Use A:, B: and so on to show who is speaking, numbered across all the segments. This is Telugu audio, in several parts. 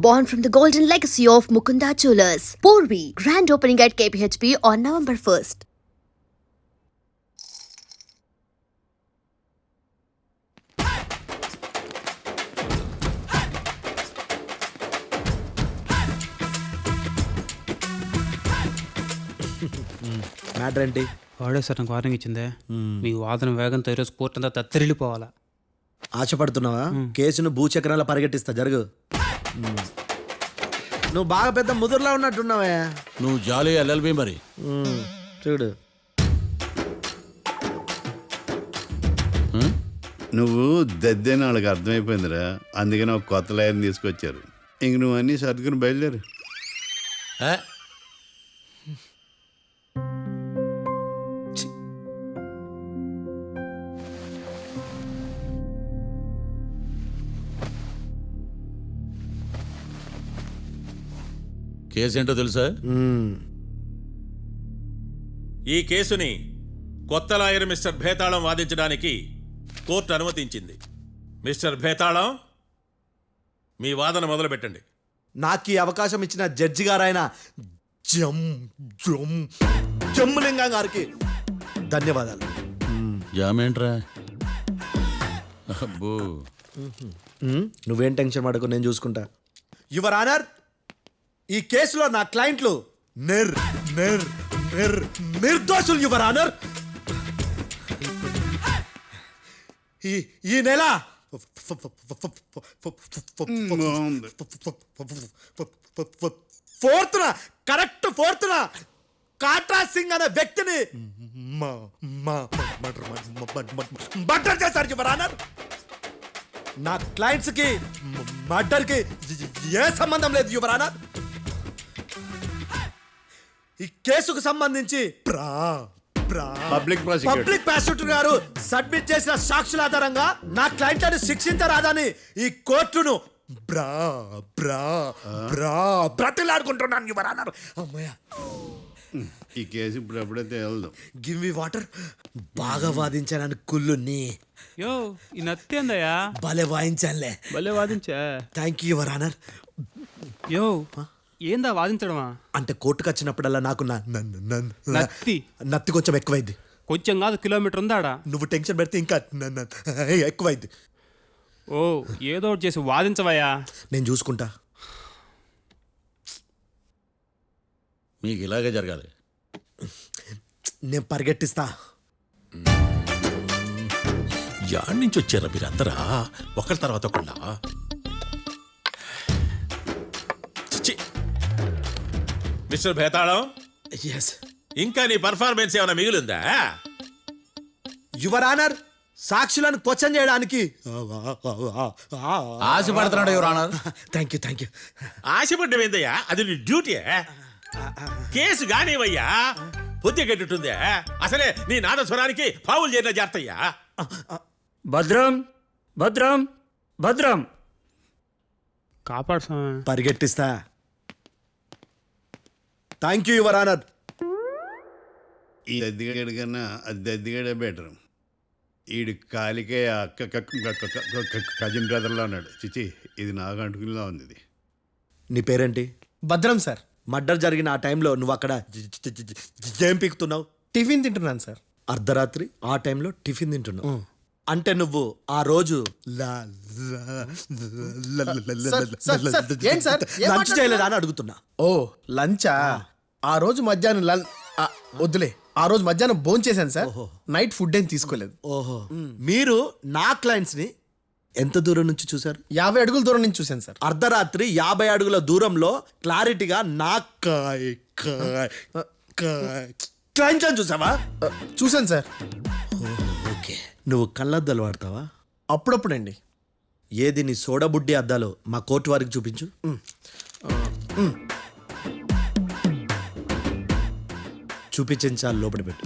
A: born from the golden legacy of Mukunda Jewelers. Porvi, grand opening at KPHP on November 1st.
B: Matter ఏంటి?
C: వాడే సార్ నాకు వార్నింగ్ ఇచ్చిందే, మీ వాదన వేగంతో ఈరోజు కోర్టు అంతా తత్తరిల్లిపోవాలా.
B: ఆశపడుతున్నావా? కేసును భూచక్రాల పరిగెట్టిస్తా, జరుగు. నువ్వు బాగా పెద్ద ముదురులా ఉన్నట్టున్నావా?
D: నువ్వు జాలి ఎల్ఎల్బి మరి.
B: చూడు,
E: నువ్వు దద్దేని వాళ్ళకి అర్థమైపోయిందిరా, అందుకని ఒక కొత్త లాయర్ని తీసుకొచ్చారు. ఇంక నువ్వు అన్నీ సర్దుకుని బయలుదేరు.
D: కేసేంటో తెలుసా?
F: ఈ కేసుని కొత్త లాయర్ మిస్టర్ భేతాళం వాదించడానికి కోర్టు అనుమతించింది. మిస్టర్ భేతాళం, మీ వాదన మొదలు పెట్టండి.
B: నాకు ఈ అవకాశం ఇచ్చిన జడ్జి గారైన జమ్ములింగం గారికి ధన్యవాదాలు.
D: జామేంట్రా? అబ్బో,
B: నువ్వేం టెన్షన్ పడకు, నేను చూసుకుంటా. యువర్ ఆనర్, ఈ కేసులో నా క్లయింట్లు నిర్దోషులు యువర్ ఆనర్. ఈ నెల ఫోర్త్న కాట్రా సింగ్ అనే వ్యక్తిని మర్డర్ చేశారు యువర్ ఆనర్. నా క్లయింట్స్ కి మర్డర్ కి ఏ సంబంధం లేదు యువర్ ఆనర్. ఈ కేసుకు సంబంధించి
E: పబ్లిక్
B: ప్రాసిక్యూటర్ గారు సబ్మిట్ చేసిన సాక్షుల ఆధారంగా నా క్లయింట్లను శిక్షించరాదని ఈ కోర్టును బ్రతిలాడుకుంటున్నాను యువర్ ఆనర్. అమ్మయ్య,
E: ఈ కేసు ఇప్పుడు ఎప్పుడైతే వెళ్దాం.
B: Give me water. బాగా వాదించానని కుళ్ళుని.
C: యో, ఈ నత్తేందయ్యా?
B: భలే వాయించానులే.
C: భలే వాదించా.
B: Thank you your honour.
C: Yo, ఏందా వాదించడమా?
B: అంటే కోర్టుకు వచ్చినప్పుడల్లా నాకు నత్తి కొంచెం ఎక్కువైంది.
C: కొంచెం కాదు, కిలోమీటర్ ఉందాడా.
B: నువ్వు టెన్షన్ పెడితే ఇంకా ఎక్కువైంది.
C: ఓ, ఏదో ఒకటి చేసి వాదించవయ్యా.
B: నేను చూసుకుంటా.
D: మీకు ఇలాగే జరగాలి.
B: నేను పరిగెట్టిస్తా.
D: యాడ్ నుంచి వచ్చారా మీరందరా ఒకరి తర్వాత ఒకళ్ళ?
F: మిస్టర్ భేతాళం,
B: ఎస్
F: ఇంకా నీ పర్ఫార్మెన్స్ ఏమైనా మిగిలిందా?
B: యువర్ ఆనర్, సాక్షులను క్వశ్చన్ చేయడానికి
D: ఆశపడుతున్నాడు యువర్ ఆనర్.
B: Thank you.
F: ఆశపడ్డం ఏందయ్యా? అది నీ డ్యూటీ. కేసు గానివయ్యా, బుద్ధి గట్టుందే. అసలే నీ నాదస్వరానికి పావులు చేరిన జాగ్రత్తయ్యా.
G: భద్రం భద్రం భద్రం.
C: కాపాడు స్వామి.
B: పరిగెట్టిస్తా. Thank you your honour.
E: ఈ దద్దిగడి కన్నా అది దద్దిగడే బెటర్. ఈడు కాలికే కజిన్ బ్రదర్లో ఉన్నాడు. చిచి, ఇది నాకు అంటుకునిలా ఉంది. ఇది
B: నీ పేరేంటి?
G: భద్రం సార్.
B: మర్డర్ జరిగిన ఆ టైంలో నువ్వు అక్కడ ఏం పీకుతున్నావు?
G: టిఫిన్ తింటున్నాను సార్.
B: అర్ధరాత్రి ఆ టైంలో టిఫిన్ తింటున్నావు అంటే నువ్వు ఆ రోజు లంచ్ చేయలేదా అని అడుగుతున్నా.
G: ఓ, లంచా? ఆ రోజు మధ్యాహ్నం వద్దులే, ఆ రోజు మధ్యాహ్నం భోజనం చేశాను సార్. నైట్ ఫుడ్ ఏం తీసుకోలేదు.
B: ఓహో, మీరు నా క్లయింట్స్ ని ఎంత దూరం నుంచి చూశారు?
G: 50 అడుగుల దూరం నుంచి చూశాను సార్.
B: అర్ధరాత్రి 50 అడుగుల దూరంలో క్లారిటీగా నా క్లయింట్స్ అని చూసావా?
G: చూశాను సార్.
B: ఓకే, నువ్వు కళ్ళద్దాలు వాడతావా?
G: అప్పుడప్పుడండి.
B: ఏది నీ సోడబుడ్డి అద్దాలు మా కోర్టు వారికి చూపించు. చూపించాలి, లోపల పెట్టు.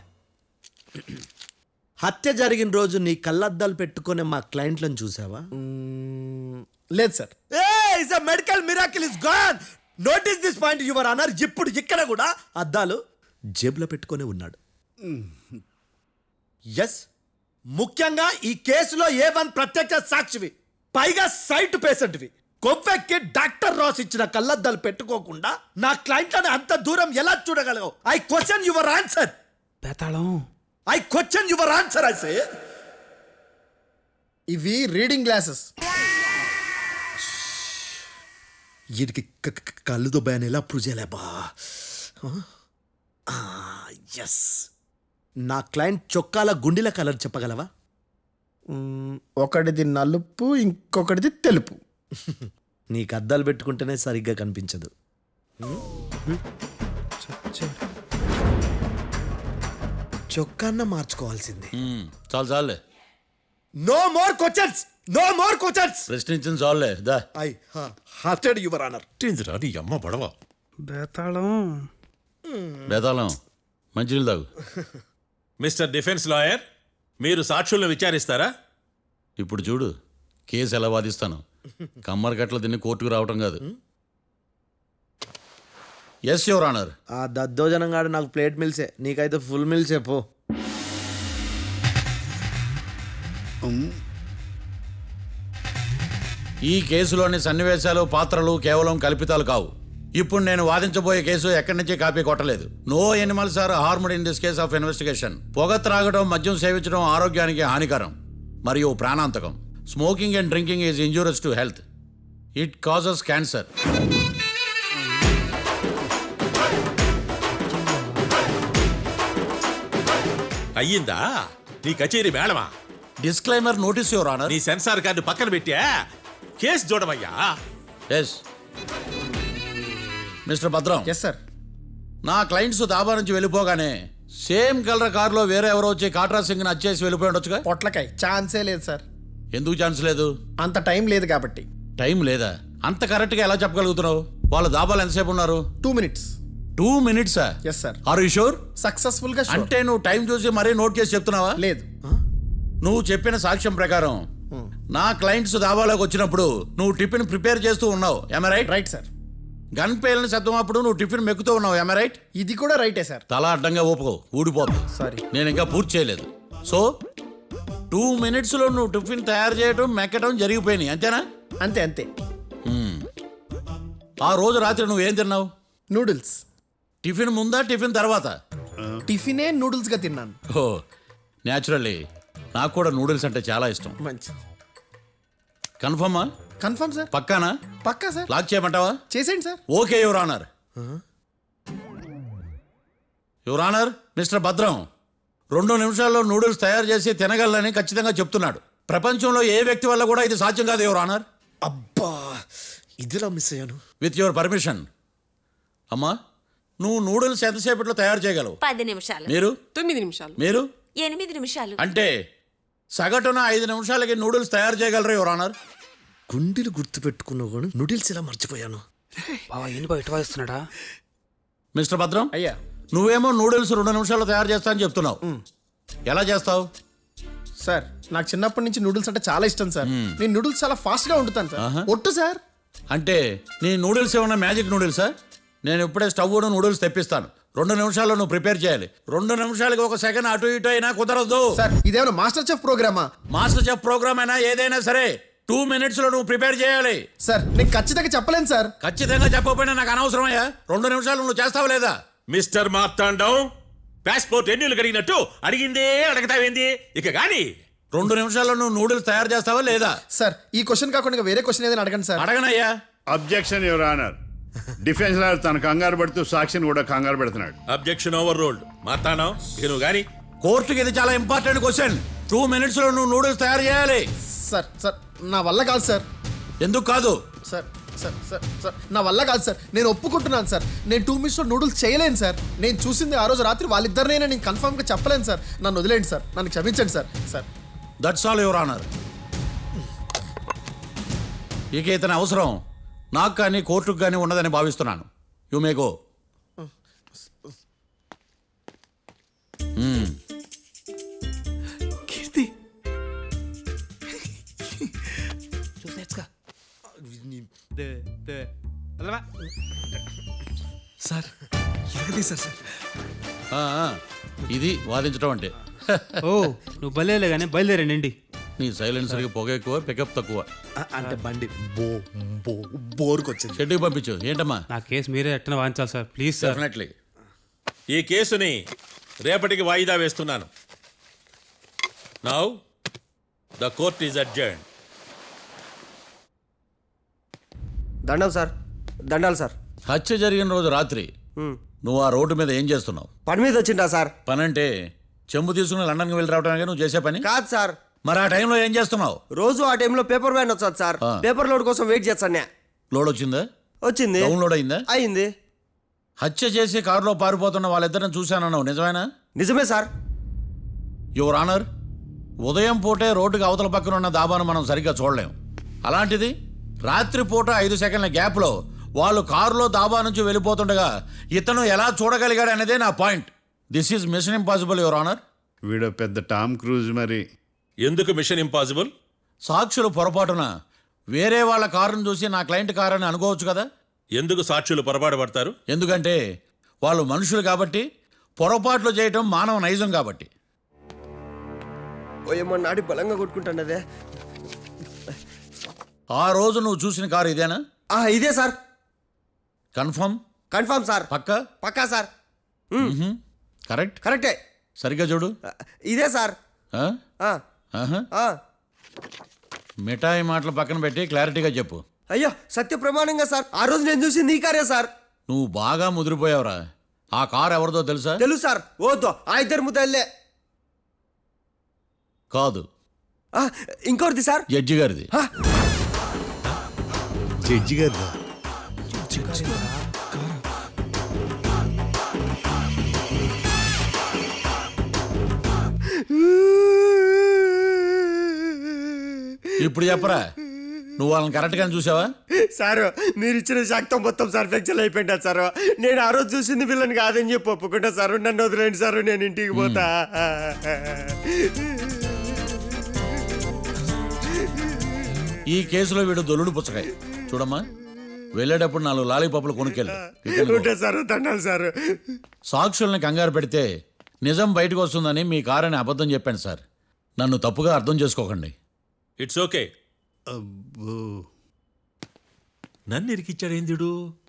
B: హత్య జరిగిన రోజు నీ కళ్ళద్దాలు పెట్టుకునే మా క్లయింట్లను చూసావా?
G: లేదు sir.
B: Medical miracle is gone. Notice this point your honour. ఇప్పుడు ఇక్కడ కూడా అద్దాలు జేబులో పెట్టుకునే ఉన్నాడు. ఎస్, ముఖ్యంగా ఈ కేసులో A1 ప్రత్యక్ష సాక్షివి, పైగా సైట్ పేషెంట్వి. కొవ్వెక్కి డాక్టర్ రాస్ ఇచ్చిన కళ్ళద్దాలు పెట్టుకోకుండా నా క్లయింట్లను అంత దూరం ఎలా చూడగలవు? I question your answer.
C: Betalam
B: I question your answer. I say
G: ఇవి రీడింగ్ గ్లాసెస్.
B: వీడికి కళ్ళు దుబ్బాయని ఎలా ప్రూవ్ చేయలేబా? ఎస్, నా క్లయింట్ చొక్కాల గుండెల కలర్ చెప్పగలవా?
G: ఒకటిది నలుపు, ఇంకొకటిది తెలుపు.
B: నీకు అద్దాలు పెట్టుకుంటేనే సరిగ్గా కనిపించదు. చొక్కాన్న మార్చుకోవాల్సింది.
D: చాలు చాలులే,
B: no more questions, no more questions.
D: ప్రశ్నించిన చాలులే. దా
B: ఐ హార్టెడ్ యువర్ ఆనర్.
D: ఏందిరా నీ అమ్మ పడవ.
C: బేతాళం
D: బేతాళం మంచినీళ్ళు తాగు.
F: మిస్టర్ డిఫెన్స్ లాయర్, మీరు సాక్షులను విచారిస్తారా?
D: ఇప్పుడు చూడు కేసు ఎలా వాదిస్తాను. కమ్మరి గట్ల తిని కోర్టుకు రావటం కాదు. Yes your honour.
B: ఆ దద్దోజనంగాడు నాకు ప్లేట్ మిల్సే, నీకైతే ఫుల్ మిల్సే పో.
D: ఈ కేసులోని సన్నివేశాలు పాత్రలు కేవలం కల్పితాలు కావు. ఇప్పుడు నేను వాదించబోయే కేసు ఎక్కడి నుంచి కాపీ కొట్టలేదు. No animals are harmed in this case of investigation. పొగ త్రాగడం, మద్యం సేవించడం ఆరోగ్యానికి హానికరం మరియు ప్రాణాంతకం. Smoking and drinking is injurious to health. It causes cancer.
F: అయ్యిందా నీ కచేరీ మేడమా?
D: Disclaimer notice your honour.
F: నీ సెన్సార్ కార్డు పక్కన పెట్టా కేసు చూడమయ్యా.
D: Yes mister Bhadram.
G: Yes sir.
D: నా క్లయింట్స్ దాబా నుంచి వెళ్ళిపోగానే సేమ్ కలర్ కారులో వేరే ఎవరో వచ్చి కాట్రా సింగ్ వచ్చేసి వెళ్ళిపోయి ఉండొచ్చుగా.
G: పొట్లకాయ ఛాన్సే లేదు సార్.
D: ఎందుకు ఛాన్స్ లేదు?
G: అంత టైం లేదు కాబట్టి.
D: టైం లేదా? అంత కరెక్ట్గా ఎలా చెప్పగలుగుతున్నావు? వాళ్ళ దాబాలు ఎంతసేపు ఉన్నారు?
G: 2 minutes.
D: 2 minutes?
G: Yes sir.
D: Are you sure?
G: Successful గా sure.
D: అంటే నువ్వు టైం చూసి మరీ నోట్ చేసి చెప్తున్నావా?
G: లేదు.
D: నువ్వు చెప్పిన సాక్ష్యం ప్రకారం నా క్లయింట్స్ దాబాలోకి వచ్చినప్పుడు నువ్వు టిఫిన్ ప్రిపేర్ చేస్తూ ఉన్నావు. Am right?
G: Right sir.
D: Gun పేలిన శబ్దం అప్పుడు నువ్వు టిఫిన్ మెక్కుతూ ఉన్నావు. Am right?
G: ఇది కూడా రైటే సార్.
D: తల అడ్డంగా ఊపుకో, ఊడిపోతుంది.
G: సారీ.
D: నేను ఇంకా పూర్తి చేయలేదు. సో 2 minutesలో నువ్వు టిఫిన్ తయారు చేయడం మెక్కడం జరిగిపోయినాయి, అంతేనా?
G: అంతే అంతే.
D: ఆ రోజు రాత్రి నువ్వు ఏం తిన్నావు?
G: నూడిల్స్.
D: టిఫిన్ ముందా టిఫిన్ తర్వాత?
G: టిఫినే నూడిల్స్ గా తిన్నాను.
D: ఓ న్యాచురల్లీ నాకు కూడా నూడిల్స్ అంటే చాలా ఇష్టం.
G: మంచి.
D: కన్ఫర్మా?
G: Confirm sir.
D: పక్కానా?
G: Pukka sir.
D: లాక్ చేయమంటావా?
G: చేసేయండి sir.
D: Okay your honour. Your honour, mister Bhadram 2 నిమిషాల్లో నూడిల్స్ తయారు చేసి తినగలని ఖచ్చితంగా చెప్తున్నాడు. ప్రపంచంలో ఏ వ్యక్తి వల్ల కూడా ఇది సాధ్యం కాదు యువర్ ఆనర్.
B: అబ్బా, ఇదిలా మిస్ అయ్యాను.
D: With your permission. అమ్మా, నువ్వు నూడిల్స్ ఎంతసేపట్లో తయారు చేయగలవు?
H: 10 నిమిషాలు.
D: మీరు?
I: 9 నిమిషాలు.
D: మీరు?
H: 8 నిమిషాలు.
D: అంటే సగటున 5 నిమిషాలకి నూడిల్స్ తయారు చేయగలరు యువర్ ఆనర్.
B: గుండెలు గుర్తు పెట్టుకున్నావు కానీ నూడిల్స్ ఎలా మర్చిపోయాను.
C: బావా ఏంటి బయట వాయిస్తున్నాడా?
D: మిస్టర్ భద్రం,
G: అయ్యా.
D: నువ్వేమో నూడిల్స్ 2 నిమిషాల్లో తయారు చేస్తా అని చెప్తున్నావు. ఎలా చేస్తావు?
G: సార్ నాకు చిన్నప్పటి నుంచి నూడిల్స్ అంటే చాలా ఇష్టం సార్. నేను నూడిల్స్ చాలా ఫాస్ట్ గా వండుతాను సార్. ఒట్టు సార్.
D: అంటే నీ నూడిల్స్ ఏమన్నా మ్యాజిక్ నూడిల్సా? నేను ఇప్పుడే స్టవ్ నూడిల్స్ తెప్పిస్తాను. 2 నిమిషాల్లో నువ్వు ప్రిపేర్ చేయాలి. 2 నిమిషాలకి 1 సెకండ్ అటు ఇటు అయినా కుదరదు.
G: సార్ ఇదేమైనా మాస్టర్ చెఫ్ ప్రోగ్రామా?
D: మాస్టర్ చెఫ్ ప్రోగ్రామ్ అయినా ఏదైనా సరే 2 minutesలో నువ్వు ప్రిపేర్ చేయాలి.
G: సార్ నేను ఖచ్చితంగా చెప్పలేను సార్.
D: ఖచ్చితంగా చెప్పకపోయినా నాకు అనవసరమయ్యా. 2 నిమిషాలు నువ్వు చేస్తావా లేదా?
F: మిస్టర్ మార్తాండం, పాస్పోర్ట్ ఎన్నిళ్ళు కడిగినట్టు అడిగిందే అడగతావేంది? ఇక గాని
D: 2 నిమిషాల్లో నువ్వు నూడిల్స్ తయారు చేస్తావా లేదా?
G: సార్ ఈ క్వశ్చన్ కాకుండా ఇంకా వేరే క్వశ్చన్ ఏదైనా అడగండి సార్.
D: అడగనయ్యా.
E: Objection your honour. Defence lawyer తన కంగారు పడుతూ సాక్షిని కూడా కంగారు పెడుతున్నాడు.
F: Objection over ruled. మార్తాండం, ఇక నువ్వు గాని.
D: కోర్టుకి ఇది చాలా ఇంపార్టెంట్ క్వశ్చన్. 2 minutesలో నువ్వు నూడిల్స్ తయారు చేయాలి.
G: సార్ సార్ నా వల్ల కాదు సార్.
D: ఎందుకు కాదు?
G: సార్ సార్ సార్ సార్ నా వల్ల కాదు సార్. నేను ఒప్పుకుంటున్నాను సార్. నేను 2 minutesలో నూడిల్స్ చేయలేను సార్. నేను చూసింది ఆ రోజు రాత్రి వాళ్ళిద్దరినైనా నేను కన్ఫర్మ్గా చెప్పలేను సార్. నన్ను వదిలేండి సార్. నన్ను క్షమించండి sir. Sir
D: that's all your honour. ఇక ఇతని అవసరం నాకు కానీ కోర్టుకు కానీ ఉండదని భావిస్తున్నాను. You may go.
C: Keerthi
B: sir ఎరగదీశారు సార్.
D: ఇది వాదించడం అంటే.
C: ఓ నువ్వు బయలుదేరలే కానీ బయలుదేరండి.
D: నీ సైలెన్సర్కి పొగ ఎక్కువ పికప్ తక్కువ.
B: అంటే బండి బోర్కొచ్చింది.
D: షెడ్యూకి పంపించు. ఏంటమ్మా?
C: నా కేసు మీరే ఎట్టన వాయించాలి సార్, ప్లీజ్ సార్.
D: డెఫినెట్లీ.
F: ఈ కేసుని రేపటికి వాయిదా వేస్తున్నాను. Now the court is adjourn.
H: దండం సార్, దండాలు సార్.
D: హత్య జరిగిన రోజు రాత్రి నువ్వు ఆ రోడ్డు మీద ఏం చేస్తున్నావు?
H: పని మీద వచ్చిందా సార్?
D: పని అంటే చెంబు తీసుకుని లండన్కి వెళ్ళి రావడానికి నువ్వు చేసే పని
H: కాదు సార్,
D: మరి ఆ టైంలో ఏం చేస్తున్నావు?
H: రోజు ఆ టైంలో పేపర్ వ్యాన్ వచ్చాది సార్. పేపర్ లోడ్ కోసం వెయిట్ చేస్తాను.
D: లోడ్ వచ్చిందా?
H: వచ్చింది.
D: డౌన్లోడ్ అయిందా?
H: అయింది.
D: హత్య చేసి కారులో పారిపోతున్న వాళ్ళిద్దరిని చూశానన్నావు, నిజమేనా?
H: నిజమే సార్.
D: యువర్ ఆనర్, ఉదయం పూటే రోడ్డుకి అవతల పక్కన ఉన్న దాబాను మనం సరిగ్గా చూడలేం. అలాంటిది రాత్రిపూట 5 సెకండ్ల గ్యాప్లో వాళ్ళు కారులో దాబా నుంచి వెళ్ళిపోతుండగా ఇతను ఎలా చూడగలిగాడు అనేదే నా point. This is mission impossible your honour.
E: వీడో పెద్ద టామ్ క్రూజ్ మరి.
F: ఎందుకు మిషన్ ఇంపాసిబుల్?
D: సాక్షులు పొరపాటున వేరే వాళ్ళ కారును చూసి నా క్లయింట్ కారు అని అనుకోవచ్చు కదా.
F: ఎందుకు సాక్షులు పొరపాటు పడతారు?
D: ఎందుకంటే వాళ్ళు మనుషులు కాబట్టి, పొరపాట్లు చేయటం మానవ నైజం కాబట్టి.
H: ఓయమ్మ నాడి బలంగా కొట్టుకుంటానదే.
D: ఆ రోజు నువ్వు చూసిన కారు ఇదేనా?
H: ఇదే సార్.
D: కన్ఫర్మ్?
H: Confirm sir.
D: పక్కా?
H: పక్కా సార్.
D: కరెక్ట్?
H: కరెక్టే.
D: సరిగ్గా చూడు.
H: ఇదే సార్.
D: ఆ?
H: ఆ,
D: ఆహా.
H: ఆ.
D: మిఠాయి మాటలు పక్కన పెట్టి క్లారిటీగా చెప్పు.
H: అయ్యో సత్య ప్రమాణంగా సార్, ఆ రోజు నేను చూసింది ఈ కారే సార్.
D: నువ్వు బాగా ముదిరిపోయావురా. ఆ కారు ఎవరిదో తెలుసా?
H: తెలుసు సార్. ఓతో ఆ ఇద్దరు ముద్దల్లే.
D: కాదు,
H: ఇంకోటిది సార్.
D: జడ్జి గారిది.
E: జడ్జి గారు
D: ఇప్పుడు చెప్పరా, నువ్వు వాళ్ళని కరెక్ట్గానే చూసావా?
H: సార్ మీరు ఇచ్చిన శాక్తం మొత్తం సార్ ఫ్రాక్చర్ అయిపోయిందా సార్? నేను ఆ రోజు చూసింది వీళ్ళని కాదని చెప్పి ఒప్పుకుంటా సార్. నన్ను వదిలేండి సార్, నేను ఇంటికి పోతా.
D: ఈ కేసులో వీడు దొల్లుడు పుచ్చకాయ. చూడమ్మా, వెళ్ళేటప్పుడు 4 లాలీపాపులు కొనుక్కెళ్ళు.
H: ఉంటా సార్, దండాలి సార్.
D: సాక్షుల్ని కంగారు పెడితే నిజం బయటకు వస్తుందని మీ కారని అబద్ధం చెప్పాను సార్. నన్ను తప్పుగా అర్థం చేసుకోకండి.
F: It's okay.
E: అబ్బో.
F: నన్ను ఇరికిచ్చాడేందుడు?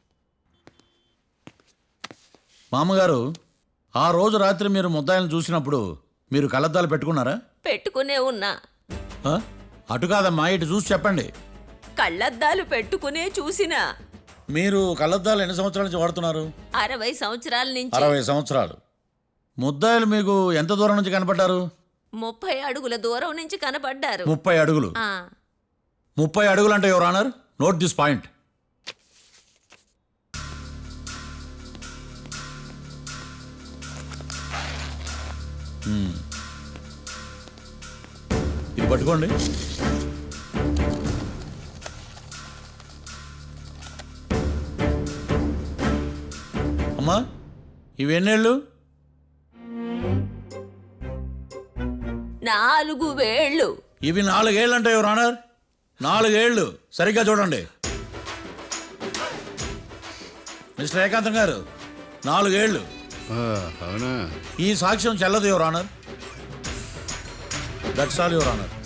D: మామగారు, ఆ రోజు రాత్రి మీరు ముద్దాయిలను చూసినప్పుడు మీరు కళ్ళద్దాలు పెట్టుకున్నారా?
I: పెట్టుకునే ఉన్నా.
D: ఆ? అటు కాదమ్మా, ఇటు చూసి చెప్పండి.
I: కళ్ళద్దాలు పెట్టుకునే చూసినా.
D: మీరు కళ్ళద్దాలు ఎన్ని సంవత్సరాల నుంచి వాడుతున్నారు?
I: 60 సంవత్సరాల నుంచి.
D: 60 సంవత్సరాలు. ముద్దాయిలు మీకు ఎంత దూరం నుంచి కనపడ్డారు?
I: 30 అడుగుల దూరం నుంచి కనపడ్డారు.
D: 30 అడుగులు. 30 అడుగులు అంటే your honour, note this point. ఇది పట్టుకోండి. అమ్మా, ఇవి ఎన్నేళ్ళు?
I: 4 వేళ్ళు.
D: ఇవి 4 ఏళ్ళు అంటే యువర్ ఆనర్, 4 ఏళ్ళు. సరిగ్గా చూడండి మిస్టర్ ఏకాంతం గారు, 4 ఏళ్ళు.
E: అవునా?
D: ఈ సాక్ష్యం చెల్లదు your honour. That's all your honour.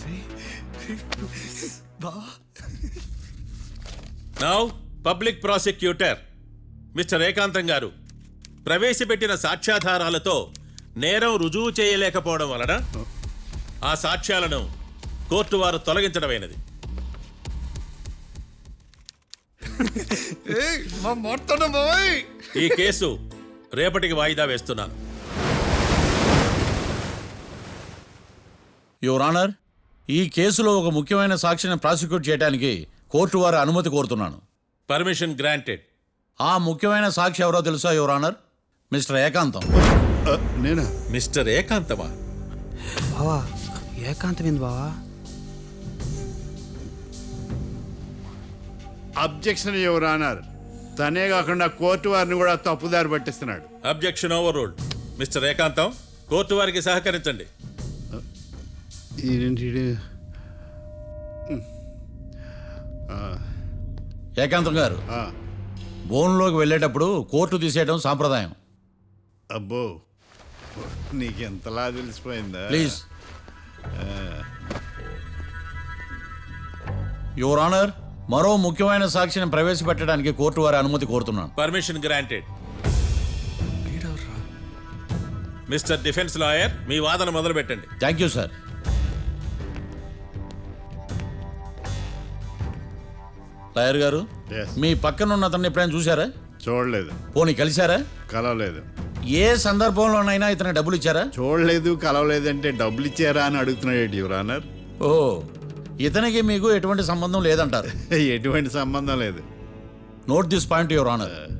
F: Now public prosecutor mister Ekantham గారు ప్రవేశపెట్టిన సాక్ష్యాధారాలతో నేరం రుజువు చేయలేకపోవడం వలన ఆ సాక్ష్యాలను కోర్టు వారు తొలగించడమైనది. ఈ కేసు రేపటికి వాయిదా వేస్తున్నాను.
D: యువర్ ఆనర్, ఈ కేసులో ఒక ముఖ్యమైన సాక్షిని ప్రాసిక్యూట్ చేయడానికి కోర్టు వారి అనుమతి కోరుతున్నాను.
F: Permission granted.
D: ఆ ముఖ్యమైన సాక్షి ఎవరో తెలుసా యువర్ ఆనర్? మిస్టర్ ఏకాంతం.
E: నేనా?
F: మిస్టర్ ఏకాంతమా?
C: బావా ఏకాంతమైంది బావా.
E: Objection your honour. తనే కాకుండా కోర్టు వారిని కూడా తప్పుదారి పట్టిస్తున్నాడు.
F: Objection overruled. Mister Ekantham, court వారికి సహకరించండి.
D: ఏకాంతం గారు, బోన్లోకి వెళ్ళేటప్పుడు కోర్టు తీసేయడం సాంప్రదాయం.
E: అబ్బో, నీకెంతలా తెలిసిపోయిందా?
D: ప్లీజ్. యువర్ ఆనర్, మరో ముఖ్యమైన సాక్షిని ప్రవేశపెట్టడానికి కోర్టు వారి అనుమతి కోరుతున్నాను.
F: Permission granted. Mister defence lawyer, మీ వాదన మొదలు పెట్టండి.
D: Thank you sir. లాయర్ గారు,
E: Yes.
D: మీ పక్కన ఉన్న అతన్ని ఎప్పుడైనా చూసారా?
E: చూడలేదు,
D: పోనీ కలిశారా?
E: కలవలేదు.
D: ఏ సందర్భంలోనైనా ఇతనికి డబ్బులు ఇచ్చారా?
E: చూడలేదు, కలవలేదు అంటే డబ్బులు ఇచ్చారా అని అడుగుతున్నాడు యువర్ ఆనర్.
D: ఓ, ఇతనికి మీకు ఎటువంటి సంబంధం లేదంటారు.
E: ఎటువంటి సంబంధం లేదు.
D: Note this point your honour.